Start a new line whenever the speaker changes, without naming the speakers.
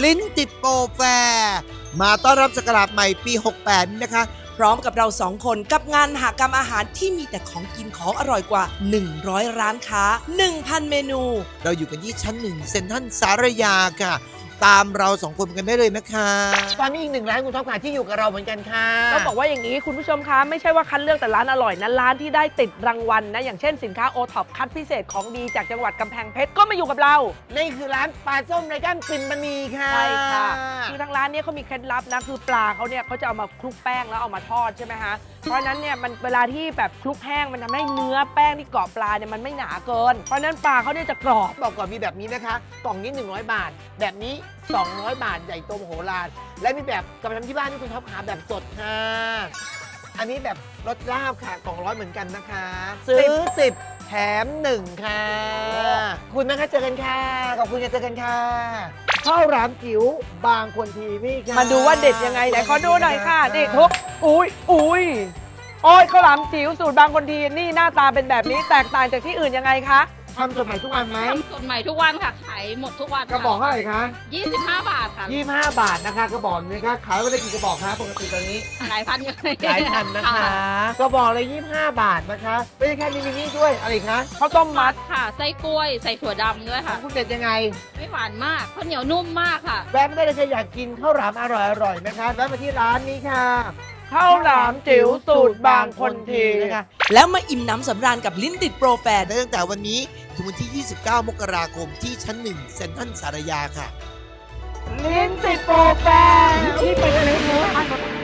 ลิ้นติดโปรแฟร์มาต้อนรับศักราชใหม่ปี 68 นี้นะคะ
พร้อมกับเรา2 คนกับงานมหกรรมอาหารที่มีแต่ของกินของอร่อยกว่า 100 ร้านค้า 1,000 เมนู
เราอยู่กันที่ชั้น 1 เซ็นทรัลสารยาค่ะ ตามเรา2 คนกันได้เลยนะคะ
ตอนนี้อีก1 ร้านคุณท็อปค่ะที่อยู่กับเราเหมือนกันค่ะ
ต้องบอกว่าอย่างนี้คุณผู้ชมคะไม่ใช่ว่าคัดเลือกแต่ร้านอร่อยนะร้านที่ได้ติดรางวัลนะอย่างเช่นสินค้าโอท็อปคัดพิเศษของดีจากจังหวัดกำแพงเพชรก็มาอยู่กับเรา
นี่คือร้านปลาส้มไรก้านปิ่นมณีค่ะ
ใช่ค่ะคือทางร้านเนี้เขามีเคล็ดลับนะคือปลาเขาเนี่ยเขาจะเอามาคลุกแป้งแล้วเอามาทอดใช่ไหมคะเพราะฉะนั้นเนี่ยมันเวลาที่แบบคลุกแห้งมันทำให้เนื้อแป้งที่เกาะปลาเนี่ยมันไม่หนาเกินเพราะฉะนั้นปลาเขาเนี่ยจะกรอบ
บอกก่อนมีแบบนี้นะคะ กล่องนี้100 บาท แบบนี้ 200 บาทใหญ่โตมโหฬารและมีแบบกลับไปทำที่บ้านที่คุณท็อปขาแบบสดค่ะ อันนี้แบบรสลาบค่ะ200เหมือนกันนะคะ ซื้อ 10 แถม 1 ค่ะ คุณนะคะเจอกันค่ะขอบคุณค่ะเจอกันค่ะข้าวหลามจิ๋วบางคนทีนี่ค่ะ
มาดูว่าเด็ดยังไงไหนขอดูหน่อยค่ะนี่ทุกอุ้ยโอ้ยข้าวหลามจิ๋วสูตรบางคนทีนี่หน้าตาเป็นแบบนี้แตกต่างจากที่อื่นยังไงคะ
ทำสดใหม่ทุกวันไหม
ทำสดใหม่ทุกวันค่ะ ขายหมดทุกวัน
กระบอกเท่าไหร่คะ
25 บาทค่ะ
25 บาทนะคะกระบอกนี้ค่ะขายวันละกี่กระบอกคะปกติตอนนี้
หลายพันอยู่
หลายพันนะคะกระบอกเลย25 บาทนะคะไม่ใช่แค่นี้มีนี่ด้วยอะไรอีกคะ
ข้าวต้มมัด
ค่ะ ไส้กล้วย ใส่ถั่วดำด้วย
ขอ
ค่ะ
งคุณเด็ดยังไง
ไม่หวานมากข้าวเหนียวนุ่มมากค่ะ
แวะไม่ได้เลยใครอยากกินข้าวหลามอร่อยๆนะคะแวะมาที่ร้านนี้ค่ะ
ข้าวหลามจิ๋วสูตรบางคนที
นะคะ
แล้วมาอิ่มน้ำสำราญกับลิ้นติดโปรแฟร์
ได้ตั้งแต่วันนี้ถึงวันที่ 29 มกราคมที่ชั้น 1 เซ็นทรัลสารยาค่ะ
ลิ้นติดโปรแฟร์ที่ไปกันเลยเถอะ